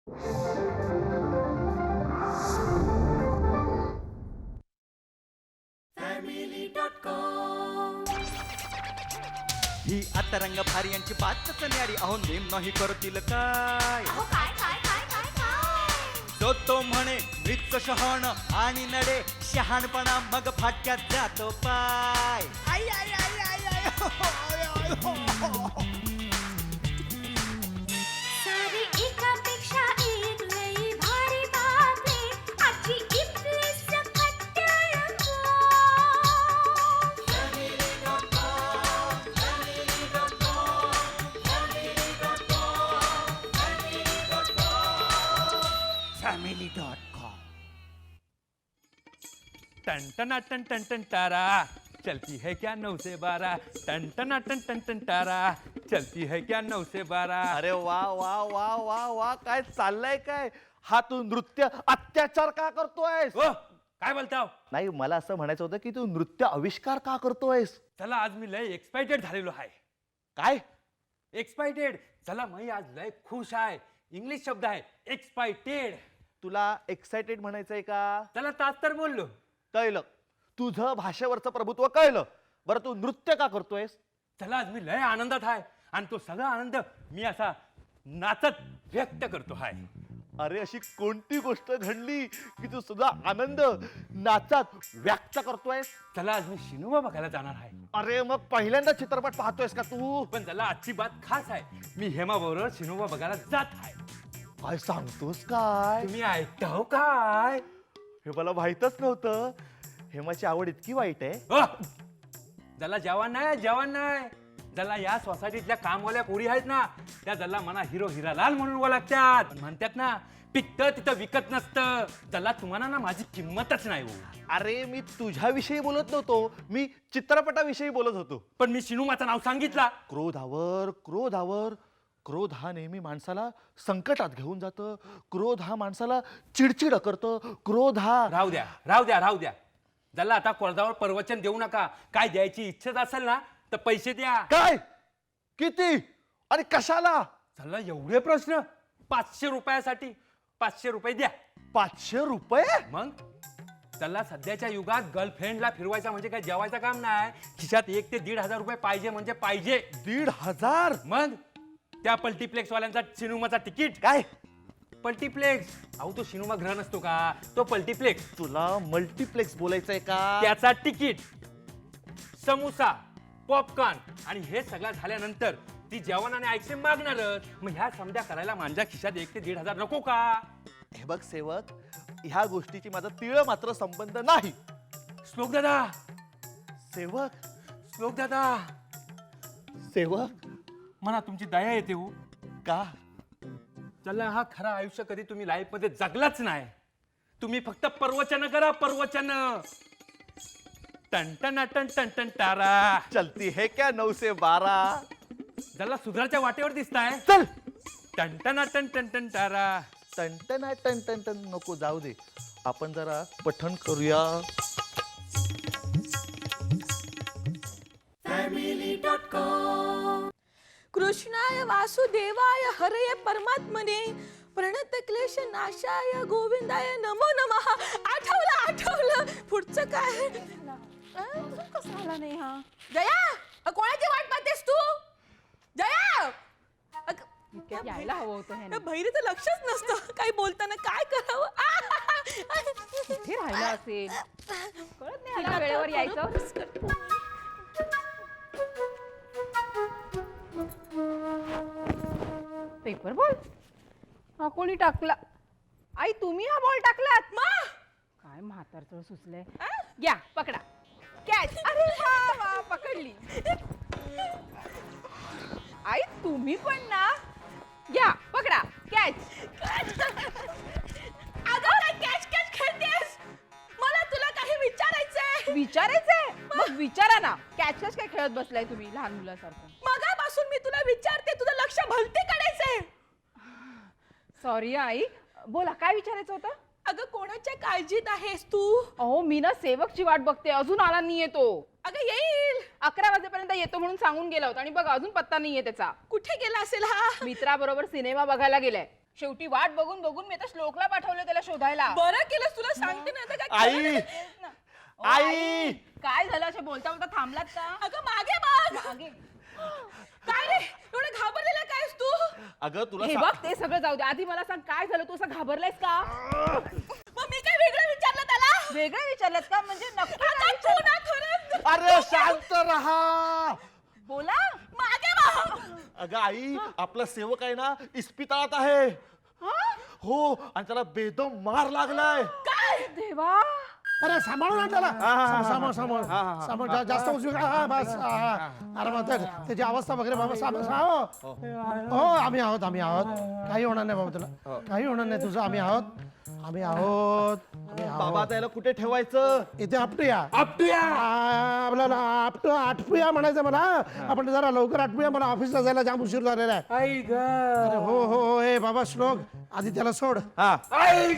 ही आता रंग भारी यांची बातच न्यारी. अहो नेम नाही करतील काय. तो म्हणे मृत शहाण आणि नडे शहाणपणा मग फाटक्यात जातो पाय. आई आई आई आई आई हो, आय, आय, हो, हो. सारी एकापेक्षा एक लई भारी बातमी आजची इथली सकट रंगो. family.com. टन टना टन टन टन तारा चलती है क्या 9 से 12. टन टना टन टन टन तारा चलती है क्या 9 से 12. अरे वा वा वा वा वा काय चाललंय काय? हा तू नृत्य अत्याचार का करतोयस? ओ काय बोलताव? नाही, मला असं म्हणायचं होतं की तू नृत्य आविष्कार का करतोयस? चला आज मी लय एक्साइटेड झालेलो आहे. काय? एक्साइटेड चला मी आज लय खुश आहे. इंग्लिश शब्द आहे एक्साइटेड. तुला एक्साइटेड म्हणायचंय का? चला तास तर बोललो. कळलं, तुझं भाषेवरचं प्रभुत्व कळलं. बरं तू नृत्य का करतोयस? चला आज मी लय आनंदात आहे आणि तो सगळा आनंद मी असा नाचत व्यक्त करतो आहे. अरे अशी कोणती गोष्ट घडली की तू सुद्धा आनंद नाचात व्यक्त करतोयस? चला आज मी शिनुबा बघायला जाणार आहे. अरे मग पहिल्यांदा चित्रपट पाहतोयस का तू? पण चला आजची बात खास आहे. मी हेमा बरोबर शिनुबा बघायला जात आहे. काय सांगतोस काय? तुम्ही ऐकताव काय? हे मला माहितच नव्हतं. हेमाची आवड इतकी वाईट आहे? ज्याला जवान नाही ज्याला या सोसायटीतल्या कामवाल्या पोरी आहेत ना त्या ज्याला मना हिरो हिरालाल म्हणून ओळखतात. पण म्हणतात ना पिकतं तिथं विकत नसतं. ज्याला तुम्हाला ना माझी किंमतच नाही हो. अरे मी तुझ्याविषयी बोलत नव्हतो, मी चित्रपटाविषयी बोलत होतो. पण मी शिनुमाचं नाव सांगितलं. क्रोधावर क्रोधावर. क्रोध हा नेहमी माणसाला संकटात घेऊन जातं. क्रोध हा माणसाला चिडचिड करतं. क्रोध हा राहू द्या. ज्याला आता कोर्टावर प्रवचन देऊ नका. काय द्यायची इच्छा असेल ना तर पैसे द्या. काय? किती आणि कशाला? चला एवढे प्रश्न. 500 रुपयासाठी 500 रुपये द्या. 500 रुपये? मग त्याला सध्याच्या युगात गर्लफ्रेंडला फिरवायचा म्हणजे काय जेवायचं काम नाही. खिशात 1 ते 1,500 रुपये पाहिजे म्हणजे पाहिजे. 1,500? मग त्या मल्टीप्लेक्स वाल्यांचा सिनेमाचा तिकीट. काय? मल्टीप्लेक्स. अहो तो सिनेमा ग्रह नसतो का तो मल्टीप्लेक्स. तुला मल्टीप्लेक्स बोलायचंय का? त्याचा तिकीट, समोसा, पॉपकॉर्न आणि हे सगळं झाल्यानंतर ती जेवण आणि आईस्क्रीम मागणारच. मग ह्या समध्या करायला माझ्या खिशात 1 ते 1,500 नको का? हे बघ सेवक, ह्या गोष्टीची माझा तीळ मात्र संबंध नाही. श्लोक दादा. सेवक मला तुमची दया येते हो. का? चला हा खरा आयुष्य कधी तुम्ही लाईफ मध्ये जगलाच नाही. तुम्ही फक्त प्रवचन करा प्रवचन. टन टन टन टन टन तारा चलती है क्या 9 से 12? ज्याला सुधारच्या वाटेवर दिसताय. चल. टन टन टन टन टन तारा. टन टन टन टन नको, जाऊ दे. आपण जरा पठण करूया. कृष्णाय वासुदेवाय हरये परमात्मने प्रणत क्लेश नाशाय गोविंदाय नमो नमः. आठवलं पुढचं काय? कसं आला नाही हा? जया कोणाची वाट पाहतेस तू? जया यायला हवं होतं ह्याने. बहिरीचं लक्षच नसतं काही बोलताना काय करावं. कुठे राहिलं असेल कळत नाही. ह्याला वेळेवर यायचं. पेपर बॉल हा कोणी टाकला? आई तुम्ही हा बॉल टाकलात? काय म्हातारचं सुचलंय. घ्या पकडा कॅच. अरे वा पकडली. आई तुम्ही पण ना. घ्या पकडा कॅच. कॅच खेळतेस? मला तुला काही विचारायचंय? मग विचारा ना. कॅच काय खेळत बसलाय तुम्ही लहान मुलासारखं? मगापासून मी तुला विचारते, तुझं लक्ष भलतीकडेच आहे. सॉरी आई, बोला काय विचारायचं होतं? अगं कोणाच्या काळजीत आहेस तू? अहो मी ना सेवकची वाट बघते, अजून आला नाहीये तो. अगं येईल. 11 वाजेपर्यंत येतो म्हणून सांगून गेला होता आणि बघ अजून पत्ता नाहीये त्याचा. कुठे गेला असेल हा? मित्राबरोबर सिनेमा बघायला गेलाय. शेवटी वाट बघून बघून मी आता श्लोकला पाठवलं त्याला शोधायला. बरं केलं तुला सांगते ना आता काय आई! खरं नाही ना. ओ, आई! काय झालं असे बोलता बोलता थांबलात का? अगं मागे बघ. मागे. काय रे एवढं घाबरलेला कायस तू? अगं तुला हे बघ ते सगळं जाऊ दे, आधी मला सांग काय झालं, तू असं घाबरलायस का? मग मी काय वेगळं विचारलं त्याला? वेगळं विचारलंस का? म्हणजे नक्की काय आता तू विचारलं? ना खरंच अरे शांत रहा. बोला. मागे बघ. अगं आई, आपला सेवक आहे ना इस्पितळात आहे. हो, आणि त्याला बेदम मार लागलाय. देवा. अरे सांभाळून आण त्याला सांभाळ जास्त उजवी हा बस अरे मग त्याची अवस्था वगैरे बाबा हो आम्ही आहोत काही होणार नाही बाबा तुला काही होणार नाही तुझं आम्ही आहोत बाबा त्याला कुठे ठेवायचं? इथे आपटूया आपल्याला आटपूया म्हणायचं मला आपण जरा लवकर आटपूया मला ऑफिसला जायला जाम उशीर झालेला आहे आई ग अरे हो हे बाबा श्लोक आधी त्याला सोड आई ग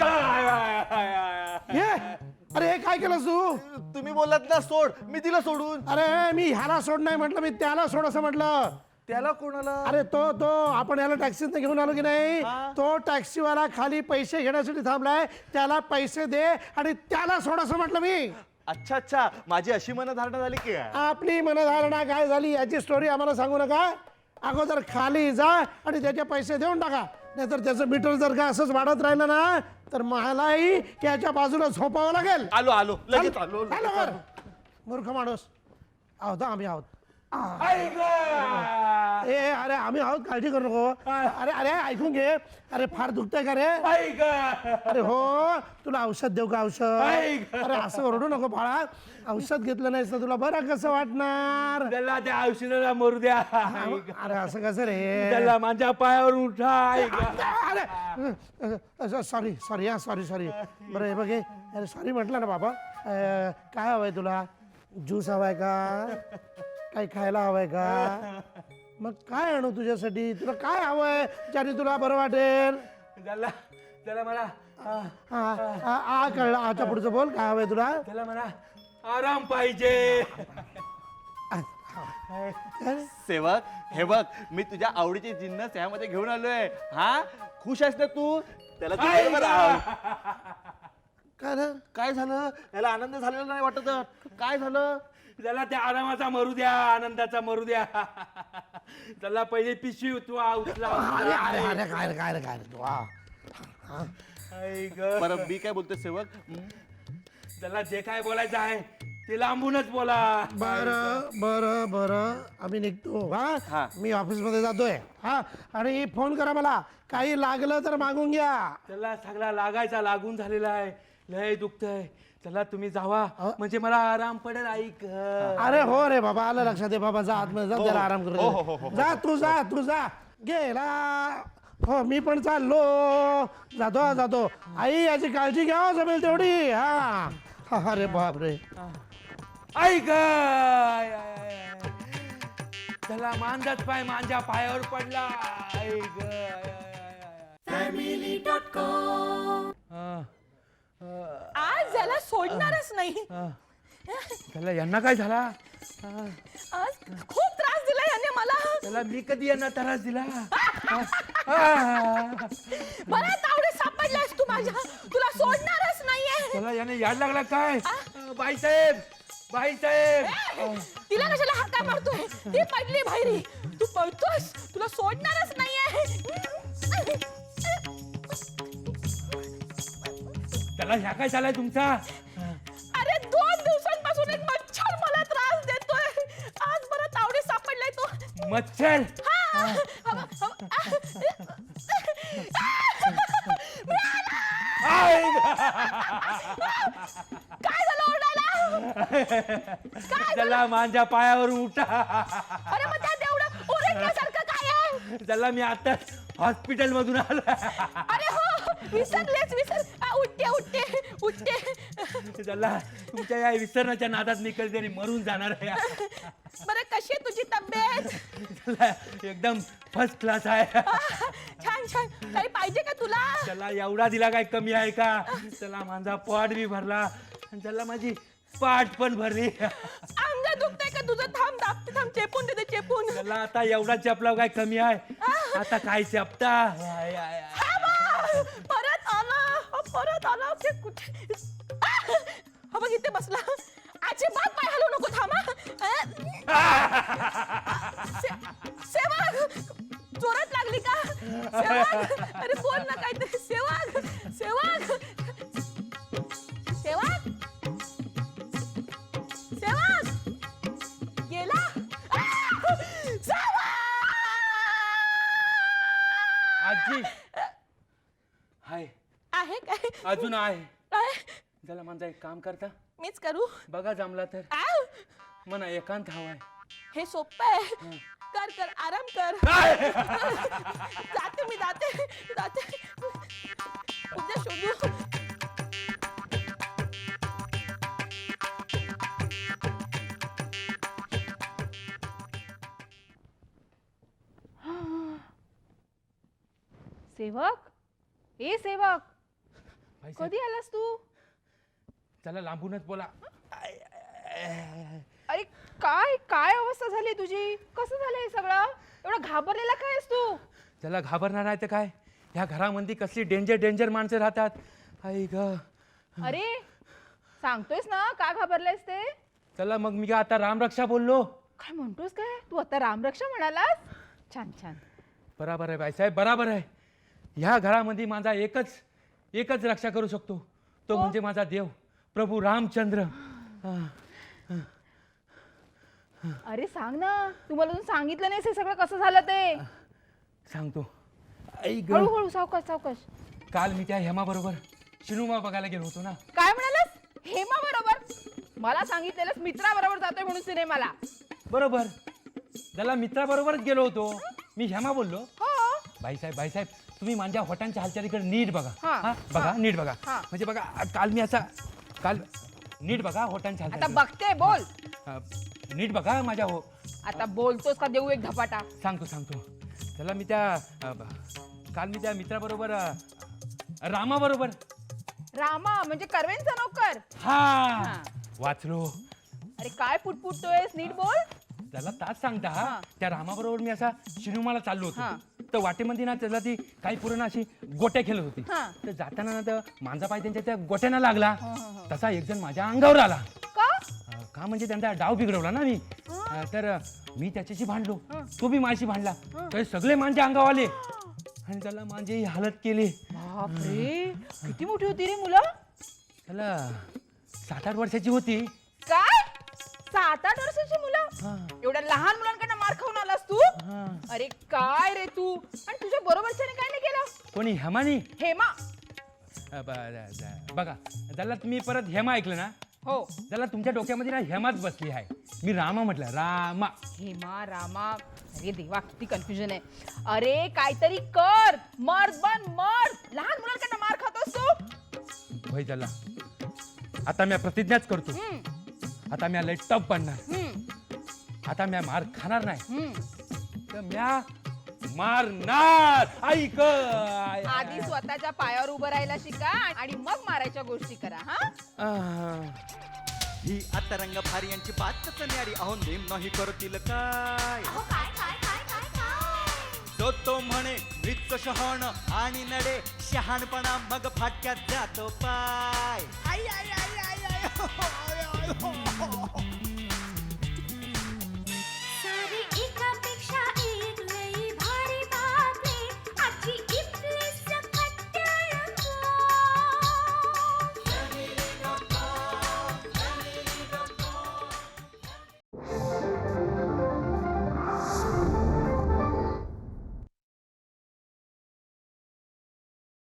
हे अरे हे काय केलंस तू तुम्ही बोललात ना सोड, मी दिलं सोडून. अरे मी ह्याला सोड नाही म्हटलं मी त्याला सोड असं म्हटलं त्याला कोणाला? अरे तो आपण याला टॅक्सीत घेऊन आलो की नाही तो टॅक्सीवाला खाली पैसे घेण्यासाठी थांबलाय त्याला पैसे दे आणि त्याला सोड असं म्हटलं मी. अच्छा, माझी अशी मनधारणा झाली की आपली मनधारणा काय झाली याची स्टोरी आम्हाला सांगू नका. अगोदर खाली जा आणि त्याचे पैसे देऊन टाका नाहीतर त्याचं मीटर जर का असंच वाढत राहिलं ना तर मलाही याच्या बाजूला झोपावं लागेल. आलो लगेच आलो. मूर्ख माणूस आहोत आम्ही आहोत आई ग ए अरे आम्ही आहोत काळजी करू नको अरे ऐकून घे अरे फार दुखतंय का रे आई ग अरे हो तुला औषध देऊ का औषध अरे असं ओरडू नको बाळा औषध घेतलं नाहीस तर तुला बरं कसं वाटणार त्याला त्या औषधाला मरू द्या अरे असं कसं रे त्याला माझ्या पायावर उठा आई ग अरे सॉरी बरं हे बघ अरे सॉरी म्हटलं ना बाबा काय हवंय तुला ज्यूस हवाय का काही खायला हवंय का मग काय आणू तुझ्यासाठी तुला काय हवंय ज्याने तुला बरं वाटेल त्याला मला कळलं आच्या पुढचं बोल काय हवंय तुला त्याला मला आराम पाहिजे. सेवक हे बघ मी तुझ्या आवडीचे जिन्नस यामध्ये घेऊन आलोय. खुश आहेस ना तू? त्याला तू आई बरोबर ग. आव. काय झालं? याला आनंद झालेला नाही वाटत? काय झालं? त्याला त्या आरामाचा मरू द्या आनंदाचा मरू द्या त्याला पहिले पिशवी उचला अरे काय रे तू आई ग बरं मी काय बोलतोय सेवक त्याला जे काय बोलायचं आहे ते लांबूनच बोला. बरं आम्ही निघतो हा. मी ऑफिस मध्ये जातोय आणि फोन करा मला काही लागलं तर मागून घ्या. त्याला सगळा लागायचा लागून झालेला आहे लय दुखतंय त्याला तुम्ही जावा म्हणजे मला आराम पडेल. ऐक अरे हो रे बाबा आलं लक्षात आहे बाबा जा आतमध्ये जा त्याला आराम करू जा तू जा गेला हो मी पण चाललो जातो आई याची काळजी घ्या जमेल तेवढी अरे बाप रे ऐक त्याला मांजाच पाय माझ्या पायावर पडला. ऐक आज याला सोडणारच नाही. त्याला यांना काय झाला? आज खूप त्रास दिला याने मला. त्याला मी कधी यांना त्रास दिला? मला तावडे सापडलास तू माझ्या तुला सोडणारच नाहीये. त्याला याने याड लागला काय? बाई साहेब तिला कशाला हाका मारतोय? ती पडली बाहेरी तू पळतोस तुला सोडणारच नाहीये. त्याला ह्या काय झालाय तुमचा? अरे 2 दिवसांपासून एक मच्छर मला त्रास देतोय. आज मला तावडे सापडलाय तो मच्छर काय झालं ओरडायला? त्याला माझ्या पायावर उठा. अरे मग त्यात एवढं ओरडण्यासारखं काय आहे? त्याला मी आता हॉस्पिटल मधून आलो. अरे हो विसरलेच उठते. त्याला तुमच्या या विसरण्याच्या नादात मी कधीतरी मरून जाणार आहे. बरं कशी आहे तुझी तब्येत? त्याला एकदम फर्स्ट क्लास आहे. छान काही पाहिजे का तुला? त्याला एवढा दिला काय कमी आहे का? त्याला माझा पोट बी भरला आणि त्याला माझी पाठ पण भरली. अंग दुखतंय का तुझं? थांब चेपून देते चेपून. त्याला आता एवढा चपला काय कमी आहे? आता काय चपता? हा हा बघ इथे बसला. अजिबात पाय हलवू नको, थांबा. सेवक जोरात लागली का? सेवक अरे बोल ना काहीतरी. सेवक सेवक सेवक सेवक गेला. आजी हाय, आहे काय? अजून आहे. काय? जरा माझं एक काम करता, मीच करू? बघा जमला तर. आव! मना एकांत हवाय. हे सोपं आहे. कर कर आराम कर. जाते मी, जाते जाते. उद्या शोधू. सेवक, ए सेवक, भाईसाहेब, कधी आलास तू? चला लांबूनच बोला. अरे काय काय अवस्था झाली तुझी? कसं झालं हे सगळं? एवढा घाबरलेला काय आहेस तू? त्याला घाबरणार आहे तर काय, ह्या घरामध्ये कसली डेंजर डेंजर माणसं राहतात. आई ग. अरे सांगतोयस ना का घाबरलायस ते? चला मग मी काय आता रामरक्षा बोललो. काय म्हणतोस काय तू आता? रामरक्षा म्हणालास? छान छान. बराबर आहे बाईसाहेब, बराबर आहे. ह्या घरामध्ये माझा एकच रक्षा करू शकतो, तो म्हणजे माझा देव प्रभू रामचंद्र. अरे सांग ना, तू मला अजून सांगितलं नाहीस हे सगळं कसं झालं ते. सांगतो. आई ग. हळूहळू सावकाश सावकाश. काल मी त्या हेमा बरोबर शिनुमा बघायला गेलो होतो ना. काय म्हणालास? हेमा बरोबर? मला सांगितलेलंस मित्राबरोबर जातोय म्हणून सिनेमाला. बरोबर, त्याला मित्राबरोबरच गेलो होतो. मी हेमा बोललो. हो. बाईसाहेब तुम्ही माझ्या होटांच्या हालचालीकडे नीट बघा. हा, हा बघा, हा, नीट बघा. हा. म्हणजे बघा काल मी असा नीट बघा होटांच्या आता हालचाली. बघते, बोल. नीट बघा माझ्या हो. आता बोलतोस का देऊ एक धपाटा? सांगतो. त्याला मी काल मी त्या मित्राबरोबर रामाबरोबर. रामा म्हणजे कर्वेंचा नोकर? हा वाचलो. अरे काय पुटपुटतोयस? नीट बोल. त्याला तास सांगता हा. त्या रामाबरोबर मी असा शिनुमाला चाललो हा. होतो. तर वाटेमध्ये ना त्याला ती काही पूर्ण अशी गोट्या खेळत होती. हा. तर जाताना ना तर माझा पाय त्यांच्या त्या गोट्याना लागला. हा. तसा एक जण माझ्या अंगावर आला. का? का म्हणजे त्यांचा डाव बिघडवला ना मी. तर मी त्याच्याशी भांडलो, तो बी माझ्याशी भांडला. तर सगळे माझ्या अंगावर आले आणि त्याला माझी हालत केली. बापरे, किती मोठी होती रे मुलं? त्याला 7-8 वर्षाची होती. काय 7-8 वर्षाची मुलं? हा. एवढ्या लहान मुलांकडनं मार खाऊन आलास तू? हा. अरे काय रे तू? आणि तुझ्या बरोबरच्याने काय नाही केलं? कोणी हेमानी? हेमा? बघा त्याला तुम्ही परत हेमा ऐकलं ना, हो. त्याला तुमच्या डोक्यामध्ये ना हेमाच बसली आहे. मी रामा म्हटलं, रामा. हेमा रामा, अरे देवा किती कन्फ्युजन आहे. अरे काहीतरी कर, मर्द बन मर्द. लहान मुलांकडनं मार खातोस तू? भाई झाला. आता मी प्रतिज्ञाच करतो, आता मी लय टप बनणार. आता मी मार खाणार नाही, तर म्या मारणार. ऐक आधी स्वतःच्या पायावर उभं राहायला शिका आणि मग मारायच्या गोष्टी करा. हा ही आता रंग भारी यांची बातच न्यारी. अहो नेम नाही करतील काय. तो म्हणे मृत शहाण आणि नडे शहाणपणा मग फाटक्यात जातो पाय. आई, आई, आई, आई, आई, हो, हो, हो, हो.